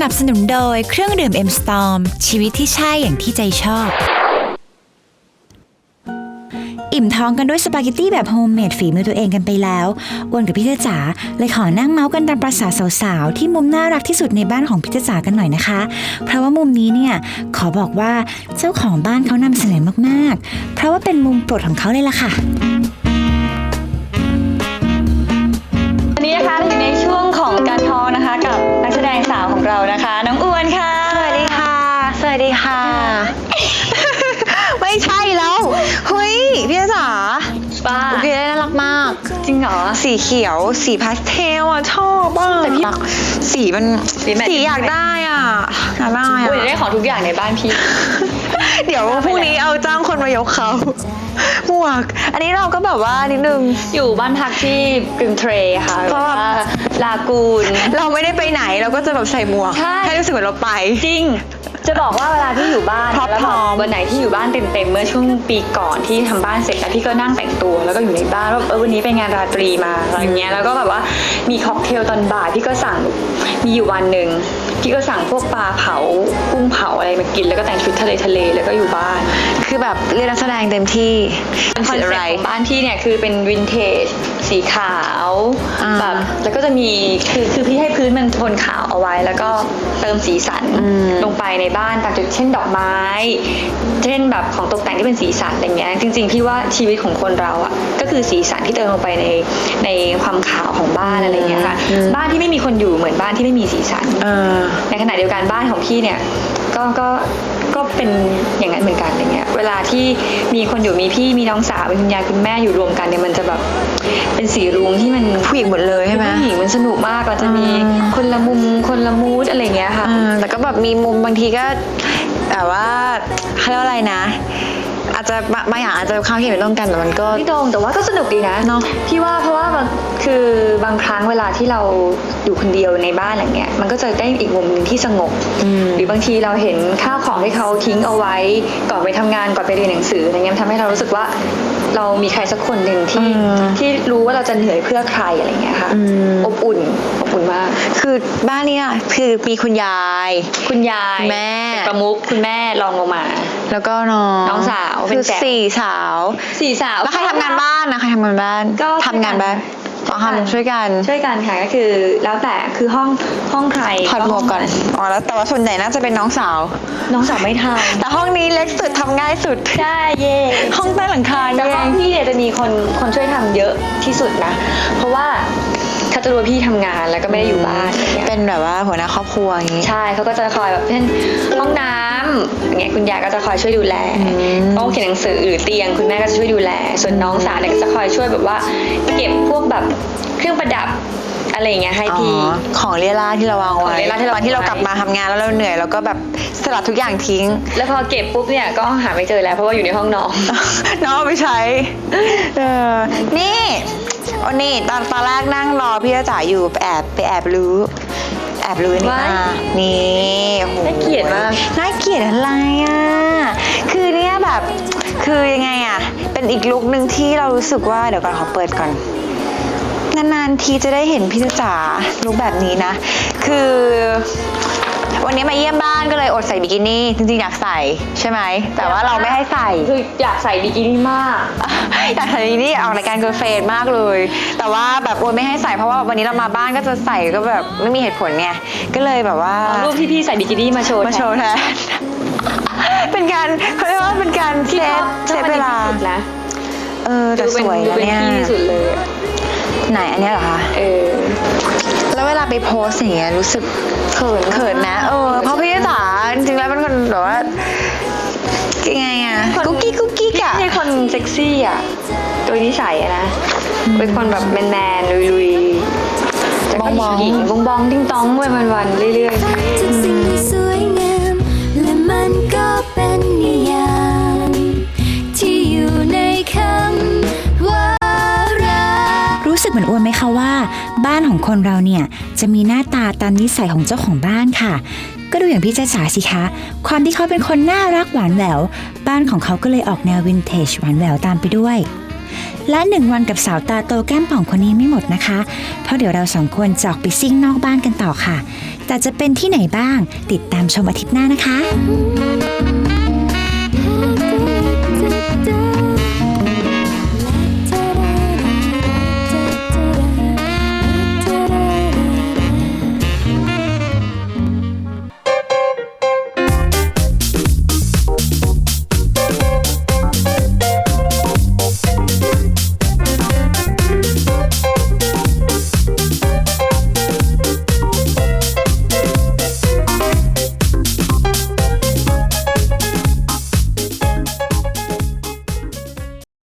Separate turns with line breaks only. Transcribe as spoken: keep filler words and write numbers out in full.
นับสนุนโดยเครื่องดื่ม เอ็ม สตอร์ม ชีวิตที่ใช่อย่างที่ใจชอบอิ่มท้องกันด้วยสปาเกตตี้แบบโฮมเมดฝีมือตัวเองกันไปแล้วอ้วนกับพี่เจ้าจ๋าเลยขอนั่งเมาส์กันตามประสาสาวๆที่มุมน่ารักที่สุดในบ้านของพี่เจ้าจ๋ากันหน่อยนะคะเพราะว่ามุมนี้เนี่ยขอบอกว่าเจ้าของบ้านเขานำเสนอมากๆเพราะว่าเป็นมุมโปรดของเขาเลยล่ะค่ะ
วันนี้นะคะเราอยู่ในช่วงของการทอล์กนะคะกับนักแสดงสาวของเรานะคะน้องอ้วนค่ะ
สวัสดีค่ะสวัสดีค่ะ ไม่ใช่แล้วเฮ้ยพี่จ๋า
ป้า
โอเคน่ารักมาก
จริงเหรอ
สีเขียวสีพาสเทลอ่ะชอบอ่ะแต่พี่สีมันสีอยากได้อ่ะอยากได้อ่ะ
อุ้ยได้ของทุกอย่างในบ้านพี่
เดี๋ยวพรุ่งนี้เอาจ้างคนมายกเขาหมวกอันนี้เราก็แบบว่านิดนึง
อยู่บ้านพักที่กริมเทรค่ะเพราะว่าลากูน
เราไม่ได้ไปไหนเราก็จะแบบใส่หมวกให้รู้สึกเหมือนเราไป
จริงจะบอกว่าเวลาที่อยู่บ้านแล้ววันไหนที่อยู่บ้านเต็มๆเมื่อช่วงปีก่อนที่ทำบ้านเสร็จแล้วพี่ก็นั่งแต่งตัวแล้วก็อยู่ในบ้านว่าเออวันนี้ไปงานราตรีมาอะไรเงี้ยแล้วก็แบบว่ามีค็อกเทลตอนบ่ายพี่ก็สั่งมีอยู่วันหนึ่งพี่ก็สั่งพวกปลาเผากุ้งเผาอะไรมากินแล้วก็แต่งชุดทะเลทะเลแล้วก็อยู่บ้าน
คือแบบเรียนนักแสดงเต็มที่
คอนเซ็ปต์ของบ้านพี่เนี่ยคือเป็นวินเทจสีขาวแบบแล้วก็จะมีคือคือพี่ให้พื้นมันโทนขาวเอาไว้แล้วก็เติมสีสันลงไปในบ้านตามจุดเช่นดอกไม้เช่นแบบของตกแต่งที่เป็นสีสันอะไรเงี้ยจริงๆพี่ว่าชีวิตของคนเราอ่ะก็คือสีสันที่เติมลงไปในในความขาวของบ้านอะไรเงี้ยค่ะบ้านที่ไม่มีคนอยู่เหมือนบ้านที่ไม่มีสีสันในขณะเดียวกันบ้านของพี่เนี่ยก็ก็ก็เป็นอย่างนั้นเหมือนกันอย่างเงี้ยเวลาที่มีคนอยู่มีพี่มีน้องสาวมีคุณยายคุณแม่อยู่รวมกันเนี่ยมันจะแบบเป็นสีรุ้งที่มัน
ผู้หญิงหมดเลยใช่ไหม
ผู้หญิงมันสนุกมากเราจะมีคนละมุมคนละมูดอะไรเงี้ยค่ะ
แต่ก็แบบมีมุมบางทีก็แต่ว่าเขาเรียกว่าอะไรนะอาจจะบางอย่างอาจจะความคิดไม่ตรงกันแต่มันก็
ไม่ตรงแต่ว่าก็สนุกดีนะ
เนาะ
พี่ว่าเพราะว่าคือบางครั้งเวลาที่เราอยู่คนเดียวในบ้านอย่างเงี้ยมันก็จะได้อีกมุมนึงที่สงบหรือบางทีเราเห็นข้าวของที่เขาทิ้งเอาไว้ก่อนไปทำงานก่อนไปเรียนหนังสืออะไรเงี้ยทำให้เรารู้สึกว่าเรามีใครสักคนหนึ่งที่ที่รู้ว่าเราจะเหนื่อยเพื่อใครอะไรเงี้ยค่ะอบอุ่นอบอุ่นมาก
คือบ้านนี้คือมีคุณยาย
คุณยาย
แม่
ประมุขคุณแม่รองลงมา
แล้วก็น้อง
น้องสาว
คือสี่สาว
สี่สาว
แล้วใครทำงานบ้านนะใครทำงานบ้าน
ก็
ทำงานบ้านอ๋อทำช่วยกัน
ช่วยกันค่ะก็คือแล้วแต่คือห้องห้องใคร
ถอดหมวกก่อนอ๋อแล้วแต่ว่าส่วนใหญ่น่าจะเป็นน้องสาว
น้องสาวไม่ทำ
แต่ห้องนี้เล็กสุดทำง่ายสุด
ใช่เย่
ห้องใต้หลังคา
แต่ห้องพี่เนี่ยจะมีคนคนช่วยทำเยอะที่สุดนะเพราะว่าเขาจะรู้ว่าพี่ทำงานแล้วก็ไม่ได้อยู่บ้าน
เป็นแบบว่าหัวหน้าครอบครัวอย่างนี้
ใช่เขาก็จะคอยแบบเช่นห้องน้ำอย่างเงี้ยคุณยายก็จะคอยช่วยดูแลห้องเขียนหนังสือหรือเตียงคุณแม่ก็จะช่วยดูแลส่วนน้องสาวเนี่ยก็จะคอยช่วยแบบว่าเก็บพวกแบบเครื่องประดับอะไรอย่างเงี้ยให้พี่
ของเรียราที่เราวางไว้ตอนที่เรากลับมาทำงานแล้วเราเหนื่อยเราก็แบบสลัดทุกอย่างทิ้ง
แล้วพอเก็บปุ๊บเนี่ยก็หาไม่เจอแล้วเพราะว่าอยู่ในห้องน้อง
น้องไปใช้เออนี่โอ้นี่ตอนตอนแรกนั่งรอพี่จ๋าอยู่ไปแอบไปแอบรู้แอบรู้นี่มานี่
น่าเกลียดมาก
น่าเกลียดอะไรอ่ะคือเนี่ยแบบคือยังไงอ่ะเป็นอีกลุคนึงที่เรารู้สึกว่าเดี๋ยวก่อนขอเปิดก่อนนานๆทีจะได้เห็นพี่จ๋าลุคแบบนี้นะคือวันนี้มาเยี่ยมบ้านก็เลยอดใส่บิกินี่จริงๆอยากใส่ใช่ไหมแต่ว่าเราไม่ให้ใส่
คืออยากใส่บิกินี่มาก
อยากใส่บิกินี่ออกรายการเกิร์ลเฟรนด์มากเลยแต่ว่าแบบโอนไม่ให้ใส่เพราะว่าวันนี้เรามาบ้านก็จะใส่ก็แบบไม่มีเหตุผลไงก็เลยแบบว่า
รูปที่พี่ใส่บิกินี่มาโชว์
มาโชว์แทนเป็นการเขาเรียกว่าเป็นการเซฟเซฟเวลาเออแต่สวยนะเนี่ย
ที่สุดเลย
ไหนอันนี้เหรอคะ
เออ
แล้วเวลาไปโพสอย่างเงี้ยรู้สึกเขินเขินนะเออเพราะพี่จ๋าจริงๆแล้วเป็นคนแบบว่ายังไงอะกุ๊กกิ๊กกุ๊กกิ๊กอะ
ไม่ใช่คนเซ็กซี่อะโดยนิสัยอะนะเป็นคนแบบแมนแมนลุยๆแต่ก็หญิงบองบองติ้งต้องไปวันๆเรื่อยๆ
ทุกสิ่งที่สวยงามและมันก็เป็นนิยามที่อยู่ในคำว่า
รู้สึกเหมือนอ้วนไหมคะว่าบ้านของคนเราเนี่ยจะมีหน้าตาตามนิสัยของเจ้าของบ้านค่ะก็ดูอย่างพี่จ๊ะจ๋าสิคะความที่เขาเป็นคนน่ารักหวานแหววบ้านของเขาก็เลยออกแนววินเทจหวานแหววตามไปด้วยและหนึ่งวันกับสาวตาโตแก้มป่องคนนี้ไม่หมดนะคะเพราะเดี๋ยวเราสองคนจะออกไปซิ่งนอกบ้านกันต่อค่ะแต่จะเป็นที่ไหนบ้างติดตามชมอาทิตย์หน้านะคะ